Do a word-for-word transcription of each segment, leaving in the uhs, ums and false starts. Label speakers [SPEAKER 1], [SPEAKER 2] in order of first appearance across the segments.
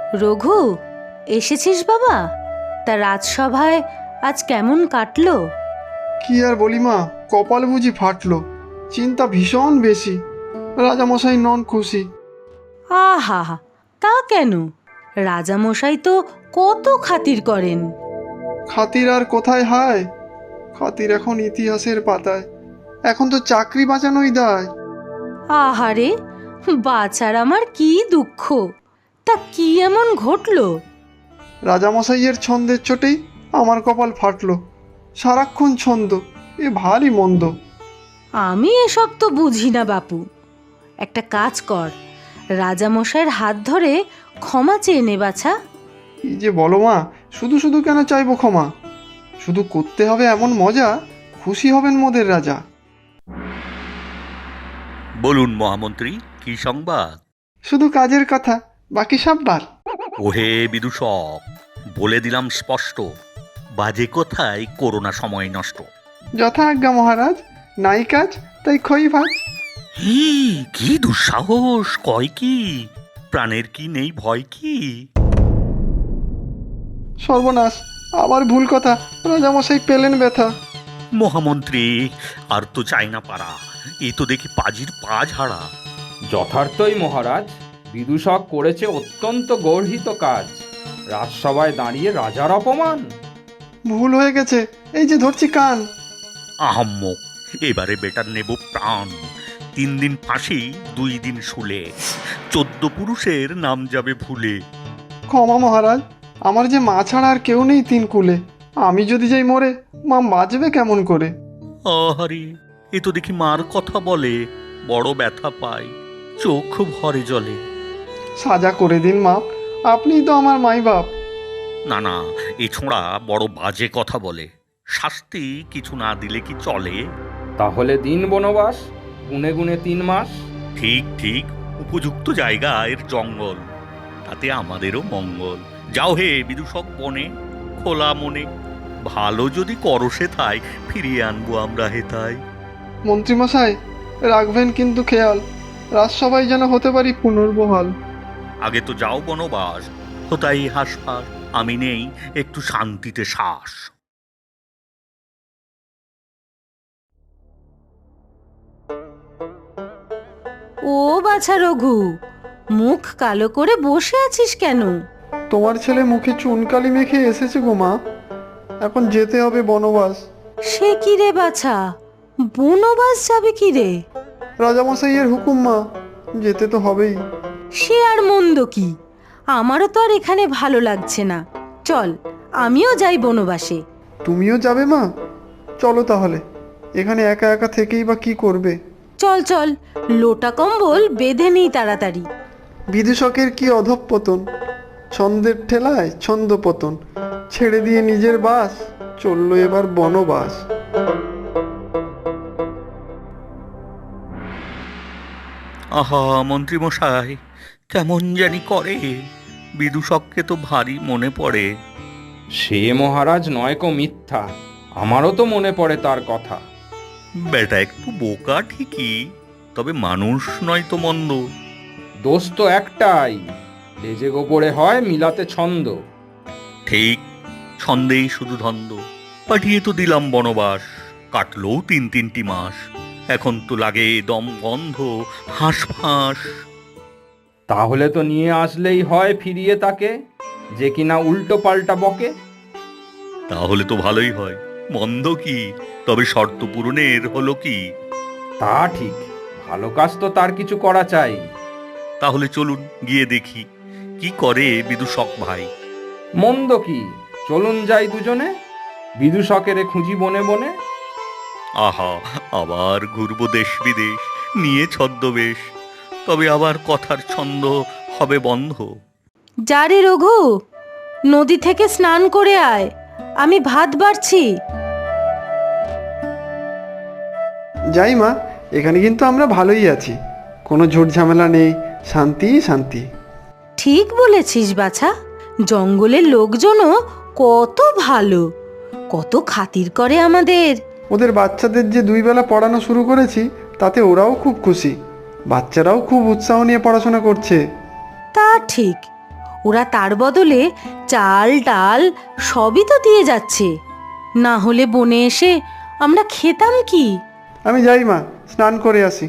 [SPEAKER 1] রঘু, এসেছিস বাবা? তা রাজসভায় আজ কেমন কাটলো?
[SPEAKER 2] কি আর বলি মা, কপাল বুঝি ফাটলো। চিন্তা ভীষণ বেশি। রাজামশাই নন খুশি।
[SPEAKER 1] আহা, তা কেন? রাজামশাই তো কত খাতির করেন।
[SPEAKER 2] খাতির আর কোথায় হায়, খাতির এখন ইতিহাসের পাতায়। এখন তো চাকরি বাঁচানোই দায়।
[SPEAKER 1] আহারে, বাছার আমার কি দুঃখ! তা কি এমন ঘটলো?
[SPEAKER 2] রাজামশাইয়ের ছন্দের চোটেই আমার কপাল ফাটলো। সারাক্ষণ ছন্দ, এ ভারী মন্দ।
[SPEAKER 1] আমি এসব তো বুঝি না বাপু। একটা কাজ কর, রাজামশাইয়ের হাত ধরে ক্ষমা চেয়ে নে বাছা।
[SPEAKER 2] কি যে বলো মা, শুধু শুধু কেন চাইবো ক্ষমা? শুধু করতে হবে এমন মজা, খুশি হবেন মোদের রাজা।
[SPEAKER 3] বলুন মহামন্ত্রী, কি সংবাদ?
[SPEAKER 2] শুধু কাজের কথা, বাকি সব বাদ।
[SPEAKER 3] ওহে বিদূষক, বলে দিলাম স্পষ্ট, বাজে কথায় করোনা সময় নষ্ট।
[SPEAKER 2] যথা আজ্ঞা মহারাজ, নাই কাজ তাই খই ভাজ।
[SPEAKER 3] হি, কি দুঃসাহস! কয় কি? প্রাণের কি নেই ভয় কি?
[SPEAKER 2] সর্বনাশ, আবার ভুল কথা, রাজামশাই পেলেন ব্যথা।
[SPEAKER 3] মহামন্ত্রী, আর তো চাই না পারা, এ তো দেখি পাজির পা ঝাড়া।
[SPEAKER 4] যথার্থই মহারাজ, বিদূষক করেছে অত্যন্ত গর্হিত কাজ। রাজসভায় দাঁড়িয়ে রাজার অপমান।
[SPEAKER 2] ভুল হয়ে গেছে, এই যে ধরছি কান।
[SPEAKER 3] আহাম্মক, এবারে বেটার নেব প্রাণ। তিন দিন ফাঁসি, দুই দিন শুলে, চোদ্দ পুরুষের নাম যাবে ভুলে।
[SPEAKER 2] ক্ষমা মহারাজ, আমার যে মা ছাড়া আর কেউ নেই তিন কুলে। আমি যদি যাই মরে, মা বাঁচবে কেমন করে?
[SPEAKER 3] আহারে, এ তো দেখি মার কথা বলে, বড় ব্যথা পাই, চোখ ভরে জলে।
[SPEAKER 2] সাজা করে দিন মা, আপনিই তো আমার মাই বাপ।
[SPEAKER 3] না না, এ ছোঁড়া বড় বাজে কথা বলে। শাস্তি কিছু না দিলে কি চলে?
[SPEAKER 4] তাহলে দিন বনবাস, গুনে গুনে তিন মাস।
[SPEAKER 3] ঠিক ঠিক, উপযুক্ত জায়গা এর জঙ্গল, তাতে আমাদেরও মঙ্গল। যাও হে বিদূষক বনে, খোলা মনে, ভালো যদি করসে থাই, ফিরিয়ে আনবো আমরা হেথায়।
[SPEAKER 2] মন্ত্রীমশাই, রাখবেন কিন্তু খেয়াল, রাজসভায় যেন হতে পারি পুনর্বহাল।
[SPEAKER 3] আগে তো যাও বনবাস, হোতাই হাসপাস, আমি নেই একটু শান্তিতে শ্বাস।
[SPEAKER 1] ও বাছা রঘু, মুখ কালো করে বসে আছিস কেন?
[SPEAKER 2] তোমার ছেলে মুখে চুনকালি মেখে এসেছে গো মা, এখন যেতে হবে বনবাস।
[SPEAKER 1] সে কি রে বাছা, বনবাস যাবে কি রে?
[SPEAKER 2] রাজামশাইয়ের হুকুম মা, যেতে তো হবেই।
[SPEAKER 1] সে আর মন্দ কি, আমারও তো আর এখানে ভালো লাগছে না। চল, আমিও যাই বনবাসে।
[SPEAKER 2] তুমিও যাবে মা? চলো তাহলে, এখানে একা একা থেকেই বা কি করবে?
[SPEAKER 1] চল চল, লোটা কম্বল বেঁধে নিই তাড়াতাড়ি।
[SPEAKER 2] বিদূষকের কি অধঃপতন, ছন্দের ঠেলায় ছন্দপতন, ছেড়ে দিয়ে নিজের বাস, চললো এবার বনবাস।
[SPEAKER 3] আহা মন্ত্রীমশাই, কেমন জানি করে, বিদূষককে তো ভারী মনে পড়ে।
[SPEAKER 4] সে মহারাজ নয়কো মিথ্যা, আমারও তো মনে পড়ে তার কথা।
[SPEAKER 3] বেটা একটু বোকা ঠিকই, তবে মানুষ নয় তো মন্দ।
[SPEAKER 4] দোষ তো একটাই, লেজে গোপরে হয় মিলাতে ছন্দ।
[SPEAKER 3] ঠিক, ছন্দেই শুধু ধন্দ। পাঠিয়ে তো দিলাম বনবাস, কাটলো তিন তিনটি মাস, এখন তো লাগে দম বন্ধ, হাঁস ফাঁস।
[SPEAKER 4] তাহলে তো নিয়ে আসলেই হয় ফিরিয়ে তাকে, যে কিনা উল্টো পাল্টা বকে।
[SPEAKER 3] তাহলে তো ভালোই হয়, মন্দ কি? তবে শর্ত পূরণের হলো কি?
[SPEAKER 4] তা ঠিক, ভালো কাজ তো তার কিছু করা চাই।
[SPEAKER 3] তাহলে চলুন গিয়ে দেখি, কি করে বিদূষক ভাই।
[SPEAKER 4] মন্দ কি, চলুন যাই দুজনে, বিদূষকেরে খুঁজি বনে বনে।
[SPEAKER 3] আহা, আবার ঘুরবো দেশ বিদেশ, নিয়ে ছদ্মবেশ, তবে আবার কথার ছন্দ হবে বন্ধ।
[SPEAKER 1] যা রে রঘু, নদী থেকে স্নান করে আয়, আমি ভাত বাড়ছি।
[SPEAKER 2] যাই মা, এখানে কিন্তু আমরা ভালোই আছি, কোনো ঝুট ঝামেলা নেই, শান্তি শান্তি।
[SPEAKER 1] ঠিক বলেছিস বাছা, জঙ্গলের লোকজনও কত ভালো, কত খাতির করে আমাদের।
[SPEAKER 2] ওদের বাচ্চাদের যে দুই বেলা পড়ানো শুরু করেছি, তাতে ওরাও খুব খুশি। বাচ্চারাও খুব উৎসাহ নিয়ে পড়াশোনা করছে।
[SPEAKER 1] তা ঠিক, ওরা তার বদলে চাল ডাল সবই তো দিয়ে যাচ্ছে, না হলে বনে এসে আমরা খেতাম কি?
[SPEAKER 2] আমি যাই মা, স্নান করে আসি।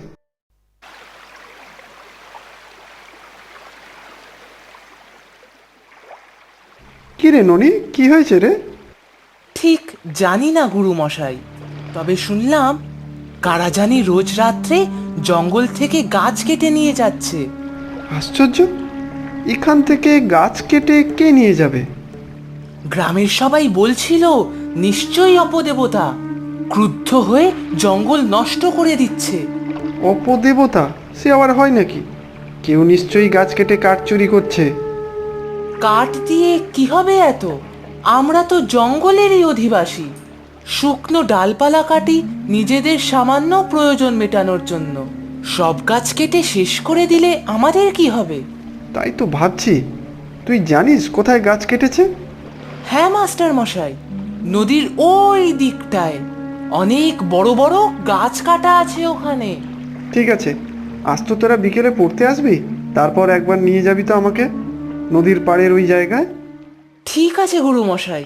[SPEAKER 2] কি রে ননি, কি হয়েছে রে?
[SPEAKER 5] ঠিক জানি না গুরু মশাই, তবে শুনলাম কারা জানি রোজ রাত্রে জঙ্গল থেকে গাছ কেটে নিয়ে যাচ্ছে।
[SPEAKER 2] আশ্চর্য, এখান থেকে গাছ কেটে কে নিয়ে যাবে?
[SPEAKER 5] গ্রামের সবাই বলছিল নিশ্চয়ই অপদেবতা ক্রুদ্ধ হয়ে জঙ্গল নষ্ট করে দিচ্ছে।
[SPEAKER 2] অপদেবতা? সে আবার হয় নাকি? কেউ নিশ্চয়ই গাছ কেটে কাঠ চুরি করছে।
[SPEAKER 5] কাঠ দিয়ে কি হবে এত? আমরা তো জঙ্গলেরই অধিবাসী। শুকনো ডালপালা কাটি নিজেদের সামান্য প্রয়োজন মেটানোর জন্য। সব গাছ কেটে শেষ করে দিলে আমাদের কি হবে?
[SPEAKER 2] তাই তো ভাবছি, তুই জানিস কোথায় গাছ কেটেছে?
[SPEAKER 5] হ্যাঁ মাস্টার মশাই, নদীর ওই দিকটায় অনেক বড় বড় গাছ কাটা আছে ওখানে।
[SPEAKER 2] ঠিক আছে, আজ তো তোরা বিকেলে পড়তে আসবি, তারপর একবার নিয়ে যাবি তো আমাকে নদীর পাড়ের ওই জায়গায়।
[SPEAKER 5] ঠিক আছে গুরু মশাই।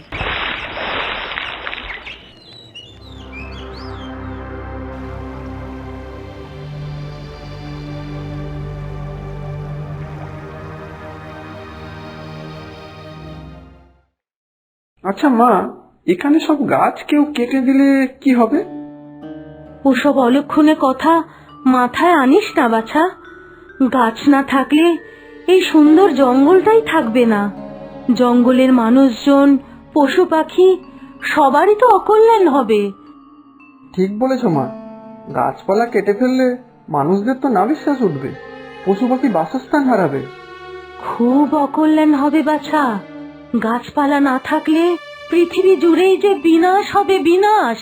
[SPEAKER 2] আচ্ছা মা, এখানে সব গাছ কেউ কেটে দিলে কি হবে?
[SPEAKER 1] ওসব অলক্ষণে কথা মাথায় আনিস না বাছা। গাছ না থাকলে এই সুন্দর জঙ্গলটাই থাকবে না। জঙ্গলের মানুষজন, পশু পাখি সবারই তো অকল্যাণ হবে।
[SPEAKER 2] ঠিক বলেছ মা, গাছপালা কেটে ফেললে মানুষদের তো নাভিশ্বাস উঠবে, পশু পাখি বাসস্থান হারাবে।
[SPEAKER 1] খুব অকল্যাণ হবে বাছা। গাছপালা না থাকলে পৃথিবী জুড়েই যে বিনাশ হবে, বিনাশ।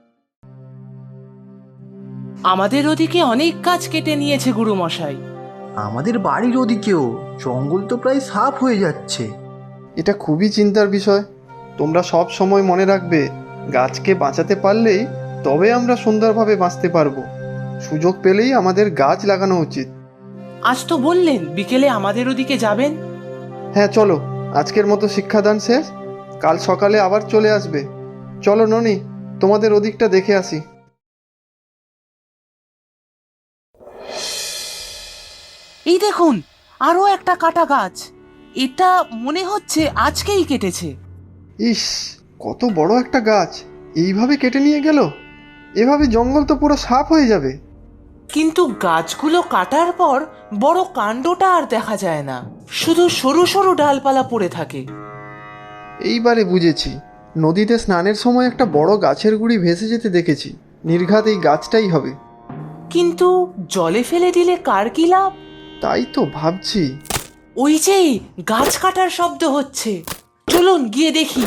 [SPEAKER 5] আমাদের ওদিকে অনেক গাছ কেটে নিয়েছে গুরু মশাই।
[SPEAKER 6] আমাদের বাড়ির ওদিকেও জঙ্গল তো প্রায় সাফ হয়ে যাচ্ছে।
[SPEAKER 2] এটা খুবই চিন্তার বিষয়। তোমরা সব সময় মনে রাখবে, গাছকে বাঁচাতে পারলেই তবে আমরা সুন্দরভাবে বাঁচতে পারবো। সুযোগ পেলেই আমাদের গাছ লাগানো উচিত।
[SPEAKER 5] আজ তো বললেন বিকেলে আমাদের ওদিকে যাবেন।
[SPEAKER 2] হ্যাঁ চলো, আজকের মতো শিক্ষাদান শেষ, কাল সকালে আবার চলে আসবে। চলো ননি, তোমাদের ওদিকটা দেখে আসি।
[SPEAKER 5] এই দেখুন, আরো একটা কাটা গাছ। এটা মনে হচ্ছে আজকেই কেটেছে।
[SPEAKER 2] ইস, কত বড় একটা গাছ এইভাবে কেটে নিয়ে গেল! এভাবে জঙ্গল তো পুরো সাফ হয়ে যাবে।
[SPEAKER 5] কিন্তু গাছগুলো কাটার পর বড় কাণ্ডটা আর দেখা যায় না, শুধু সরু সরু ডালপালা পড়ে থাকে।
[SPEAKER 2] এইবারে বুঝেছি, নদীতে স্নানের সময় একটা বড় গাছের গুঁড়ি ভেসে যেতে দেখেছি। নির্ঘাত এই গাছটাই হবে।
[SPEAKER 5] কিন্তু জলে ফেলে দিলে কার কি লাভ?
[SPEAKER 2] তাই তো ভাবছি।
[SPEAKER 5] ওই যে গাছ কাটার শব্দ হচ্ছে, চলুন গিয়ে দেখি।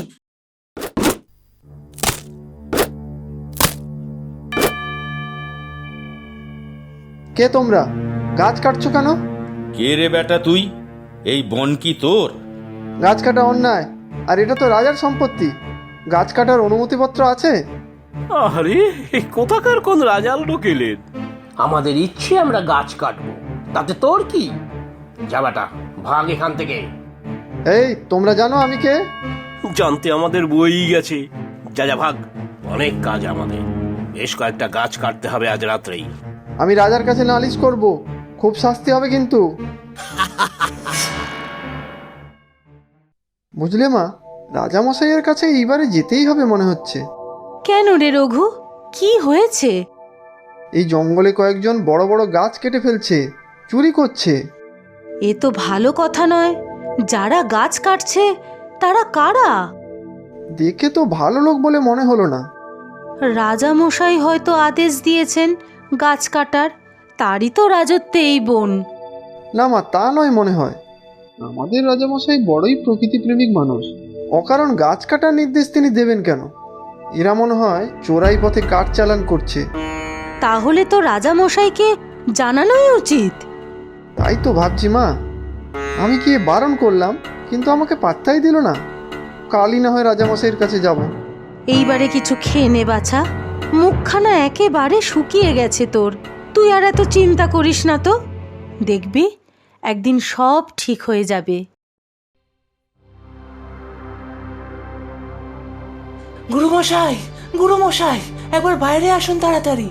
[SPEAKER 2] কে তোমরা? গাছ কাটছো কেন?
[SPEAKER 7] কে রে বেটা তুই? এই বন কি তোর?
[SPEAKER 2] গাছ কাটা অন্যায়, আর এটা তো রাজার সম্পত্তি। গাছ কাটার অনুমতিপত্র আছে?
[SPEAKER 8] আরে কোথাকার কোন রাজাল ঢুকিলেন?
[SPEAKER 9] আমাদের ইচ্ছে আমরা গাছ কাটবো, তাতে তোর কি? যাবাটা ভাগ এখান থেকে।
[SPEAKER 2] এই, তোমরা জানো আমি কে?
[SPEAKER 8] জানতে আমাদের বই গেছে। যা যা ভাগ,
[SPEAKER 9] অনেক কাজ আমাদের, বেশ কয়েকটা গাছ কাটতে হবে আজ রাত্রেই।
[SPEAKER 2] আমি রাজার কাছে নালিশ করব, খুব শাস্তি হবে কিন্তু। বুঝলে মা, রাজামশাইয়ের কাছে এইবারে যেতেই হবে মনে হচ্ছে।
[SPEAKER 1] কেন রে রঘু, কি হয়েছে?
[SPEAKER 2] এই জঙ্গলে কয়েকজন বড় বড় গাছ কেটে ফেলছে, চুরি করছে।
[SPEAKER 1] এ তো ভালো কথা নয়। যারা গাছ কাটছে তারা কারা?
[SPEAKER 2] দেখে তো ভালো লোক বলে মনে হলো না।
[SPEAKER 1] রাজা মশাই হয়তো আদেশ দিয়েছেন গাছ কাটার, তারই তো রাজত্বে এই বন।
[SPEAKER 2] না মা, তা নয় মনে হয়। আমাদের রাজামশাই বড়ই প্রকৃতিপ্রেমিক মানুষ, অকারণ গাছ কাটার নির্দেশ তিনি দেবেন কেন? এরা মনে হয় চোরাই পথে কাঠ চালান করছে।
[SPEAKER 1] তাহলে তো রাজা মশাইকে জানানোই উচিত।
[SPEAKER 2] তাই তো ভাবছি মা, আমি গিয়ে বারণ করলাম, কিন্তু আমাকে পাত্তাই দিল না। কালই না হয় রাজামশাইয়ের কাছে যাব।
[SPEAKER 1] এইবারে কিছু খেয়ে নে বাছা, মুখখানা একেবারে শুকিয়ে গেছে তোর। তুই আর এত চিন্তা করিস না তো, দেখবি একদিন সব ঠিক হয়ে যাবে।
[SPEAKER 5] গুরুমশাই, গুরুমশাই, একবার বাইরে আসুন তাড়াতাড়ি।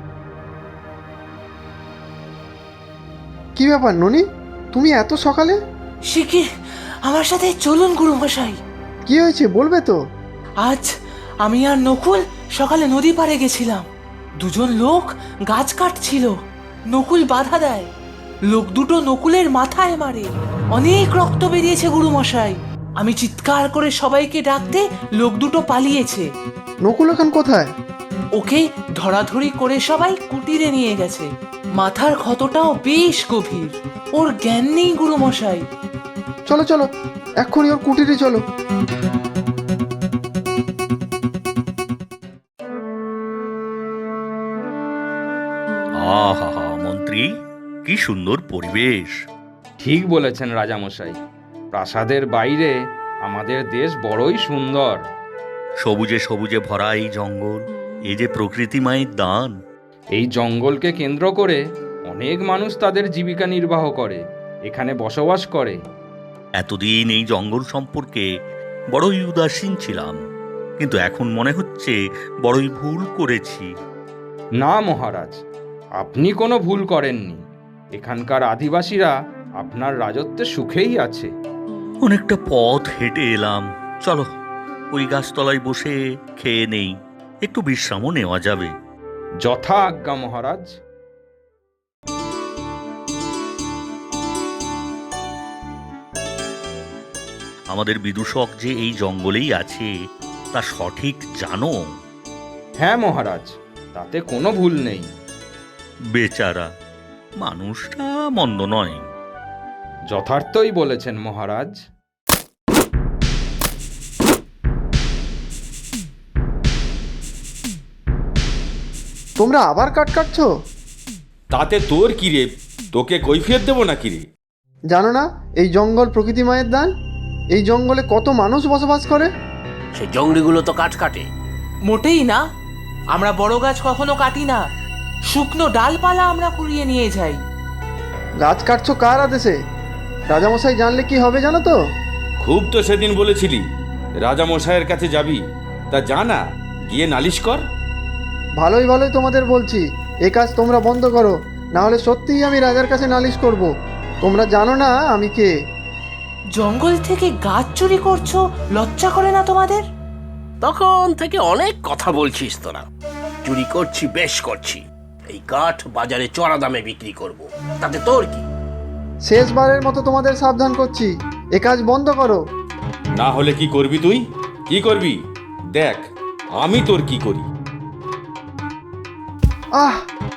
[SPEAKER 2] কি ব্যাপার ননি, তুমি এত সকালে?
[SPEAKER 5] শিগগির আমার সাথে চলুন গুরুমশাই।
[SPEAKER 2] কি হয়েছে বলবে তো?
[SPEAKER 5] আজ আমি আর নকুল সকালে নদী পাড়ে গেছিলাম। দুজন লোক গাছ কাটছিল। নকুল বাধা দেয়। লোক দুটো নকুলের মাথায় মারে। অনেক রক্ত বেরিয়েছে গুরুমশাই। আমি চিৎকার করে সবাইকে ডাকতে লোক দুটো পালিয়েছে।
[SPEAKER 2] নকুল এখন কোথায়?
[SPEAKER 5] ওকে ধরাধরি করে সবাই কুটিরে নিয়ে গেছে। মাথার ক্ষতটাও বেশ গভীর। ওর জ্ঞান নেই গুরুমশাই।
[SPEAKER 2] চলো চলো, এক্ষুনি ওর কুটিরে চলো।
[SPEAKER 3] আহা মন্ত্রী, কি সুন্দর পরিবেশ।
[SPEAKER 4] ঠিক বলেছেন রাজামশাই, প্রাসাদের বাইরে আমাদের দেশ বড়ই সুন্দর।
[SPEAKER 3] সবুজে সবুজে ভরা এই জঙ্গল, এই যে প্রকৃতি মায়ের দান।
[SPEAKER 4] এই জঙ্গলকে কেন্দ্র করে অনেক মানুষ তাদের জীবিকা নির্বাহ করে, এখানে বসবাস করে।
[SPEAKER 3] এতদিন এই জঙ্গল সম্পর্কে বড়ই উদাসীন ছিলাম, কিন্তু এখন মনে হচ্ছে বড়ই ভুল করেছি।
[SPEAKER 4] না মহারাজ, আপনি কোনো ভুল করেননি। এখানকার আদিবাসীরা আপনার রাজত্বে সুখেই আছে।
[SPEAKER 3] অনেকটা পথ হেঁটে এলাম, চলো ওই গাছতলায় বসে খেয়ে নেই, একটু বিশ্রামও নেওয়া যাবে।
[SPEAKER 4] যথা আজ্ঞা মহারাজ।
[SPEAKER 3] আমাদের বিদূষক যে এই জঙ্গলেই আছে তা সঠিক জানো?
[SPEAKER 4] হ্যাঁ মহারাজ, তাতে কোনো ভুল নেই।
[SPEAKER 3] বেচারা মানুষটা মন্দ নয়।
[SPEAKER 4] যথার্থই বলেছেন মহারাজ।
[SPEAKER 2] তোমরা আবার কাঠ কাটছো?
[SPEAKER 7] তাতে তোর কি রে? তোকে কৈফিয়ত দেবো না কি রে?
[SPEAKER 2] জানো না এই জঙ্গল প্রকৃতি মায়ের দান? এই জঙ্গলে কত মানুষ বসবাস করে।
[SPEAKER 9] সেই জঙ্গলিগুলো তো কাঠ কাটে।
[SPEAKER 5] মোটেই না। আমরা বড় গাছ কখনো কাটি না। শুকনো ডালপালা আমরা কুড়িয়ে নিয়ে যাই।
[SPEAKER 2] গাছ কাটছো কার আদেশে? রাজামশাই জানলে কি হবে জানো তো?
[SPEAKER 7] খুব তো সেদিন বলেছিলি রাজামশাইয়ের কাছে যাবি, তা জানা গিয়ে নালিশ কর।
[SPEAKER 2] ভালোই ভালোই তোমাদের বলছি, এ কাজ তোমরা বন্ধ করো, না হলে সত্যিই আমি রাজার কাছে নালিশ করব। তোমরা জানো না আমি কে।
[SPEAKER 5] জঙ্গল থেকে গাছ চুরি করছো, লজ্জা করে না তোমাদের?
[SPEAKER 9] তখন থেকে অনেক কথা বলছিস তোরা। চুরি করছি, বেশ করছি। এই কাঠ বাজারে চড়া দামে বিক্রি করব, তাতে তোর কি?
[SPEAKER 2] শেষবারের মতো তোমাদের সাবধান করছি, এ কাজ বন্ধ করো।
[SPEAKER 7] না হলে কি করবি তুই? কি করবি দেখ আমি তোর কি করি।
[SPEAKER 2] আহ,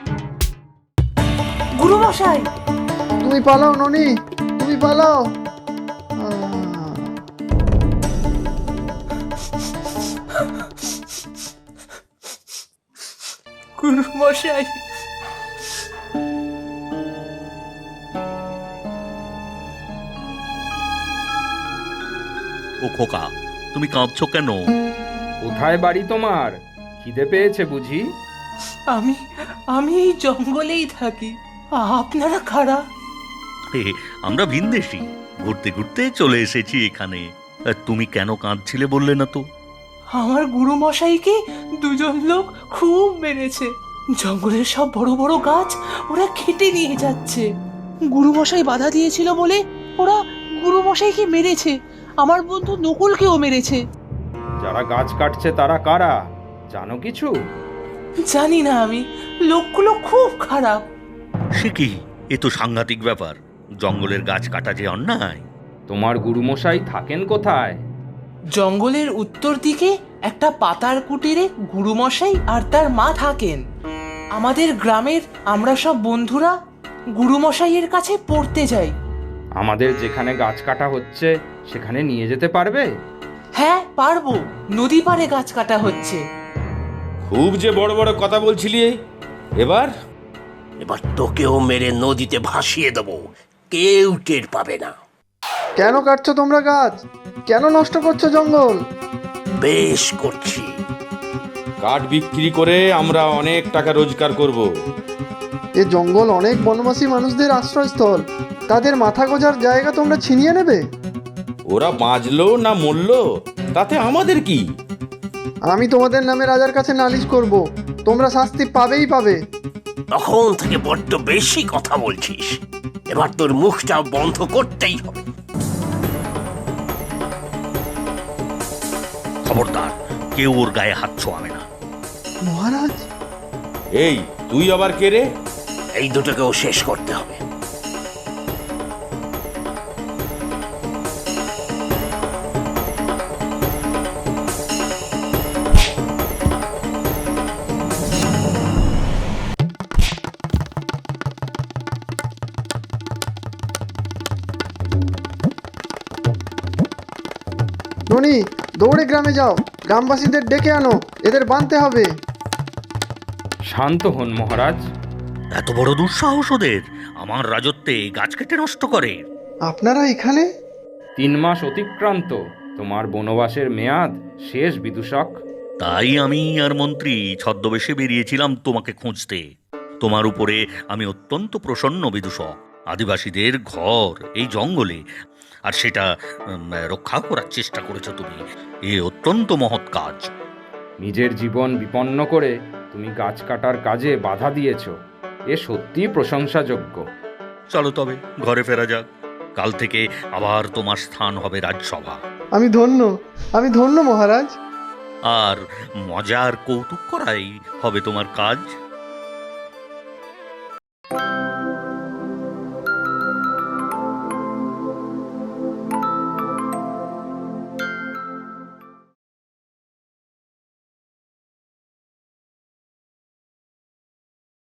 [SPEAKER 5] গুরুমশাই,
[SPEAKER 2] তুমি পালাও ননি, তুমি পালাও। আহ,
[SPEAKER 5] গুরুমশাই।
[SPEAKER 3] ও খোকা, তুমি কাঁদছো কেন?
[SPEAKER 4] কোথায় বাড়ি তোমার? খিদে পেয়েছে বুঝি?
[SPEAKER 5] আমি আমি এই জঙ্গলেই থাকি। আপনারা কারা?
[SPEAKER 3] এ, আমরা ভিনদেশী, ঘুরতে ঘুরতে চলে এসেছি এখানে। আর তুমি কেন কাঁদছিলে বললে না তো?
[SPEAKER 5] আমার গুরুমশাইকে দুজন লোক খুব মেরেছে। জঙ্গলের সব বড় বড় গাছ ওরা কেটে নিয়ে যাচ্ছে। গুরুমশাই বাধা দিয়েছিল বলে ওরা গুরুমশাইকে মেরেছে। আমার বন্ধু নকুলকেও মেরেছে।
[SPEAKER 4] যারা গাছ কাটছে তারা কারা জানো কিছু?
[SPEAKER 5] জানি না আমি। লোকগুলো খুব খারাপ।
[SPEAKER 3] সে কি, এ তো সাংঘাতিক ব্যাপার। জঙ্গলের গাছ কাটা যে অন্যায়।
[SPEAKER 4] তোমার গুরুমশাই থাকেন কোথায়?
[SPEAKER 5] জঙ্গলের উত্তর দিকে একটা পাতার কুটিরে গুরুমশাই আর তার মা থাকেন। আমাদের গ্রামের আমরা সব বন্ধুরা গুরুমশাইয়ের কাছে পড়তে যাই।
[SPEAKER 4] আমাদের যেখানে গাছ কাটা হচ্ছে সেখানে নিয়ে যেতে পারবে?
[SPEAKER 5] হ্যাঁ পারবো। নদী পাড়ে গাছ কাটা হচ্ছে।
[SPEAKER 7] খুব যে বড় বড় কথা বলছিলি, এবার
[SPEAKER 9] এবার তোকেও মেরে নদীতে ভাসিয়ে দেবো, কেউ টের পাবে না।
[SPEAKER 2] কেন কাটছো তোমরা গাছ? কেন নষ্ট করছো জঙ্গল?
[SPEAKER 9] বেশ করছি।
[SPEAKER 7] কাঠ বিক্রি করে আমরা অনেক টাকা রোজগার করব।
[SPEAKER 2] এ জঙ্গল অনেক বনবাসী মানুষদের আশ্রয়স্থল, তাদের মাথা গোজার জায়গা তোমরা ছিনিয়ে নেবে?
[SPEAKER 7] ওরা বাঁচলো না মরলো তাতে আমাদের কি?
[SPEAKER 2] আমি তোমাদের নামে রাজার কাছে নালিশ করব, তোমরা শাস্তি পাবেই পাবে।
[SPEAKER 9] তখন থেকে বড্ড বেশি কথা বলছিস, এবার তোর মুখটা বন্ধ করতেই হবে।
[SPEAKER 3] খবরদার, কেউ ওর গায়ে হাত ছোঁয়াবে না।
[SPEAKER 2] মহারাজ,
[SPEAKER 7] এই তুই আবার কে রে?
[SPEAKER 9] এই দুটোকেও শেষ করতে হবে।
[SPEAKER 2] ননি, দৌড়ে গ্রামে যাও, গ্রামবাসীদের ডেকে আনো, এদের বাঁধতে হবে।
[SPEAKER 4] শান্ত হন মহারাজ।
[SPEAKER 3] এত বড় দুঃসাহস ওদের, আমার রাজত্বে গাছ কেটে নষ্ট করে।
[SPEAKER 2] আপনারা এখানে?
[SPEAKER 4] তিন মাস অতিক্রান্ত, তোমার বনবাসের মেয়াদ শেষ বিদূষক।
[SPEAKER 3] তাই আমি আর মন্ত্রী ছদ্মবেশে বেরিয়েছিলাম তোমাকে খুঁজতে। তোমার উপরে আমি অত্যন্ত প্রসন্ন বিদূষক। আদিবাসীদের ঘর এই জঙ্গলে, আর সেটা উম, রক্ষা করার চেষ্টা করেছো তুমি। এ অত্যন্ত মহৎ কাজ।
[SPEAKER 4] নিজের জীবন বিপন্ন করে তুমি গাছ কাটার কাজে বাধা দিয়েছ, এ সত্যিই প্রশংসাযোগ্য।
[SPEAKER 3] চলো তবে ঘরে ফেরা যাক। কাল থেকে আবার তোমার স্থান হবে রাজসভা।
[SPEAKER 2] আমি ধন্য, আমি ধন্য মহারাজ।
[SPEAKER 3] আর মজার কৌতুক করাই হবে তোমার কাজ।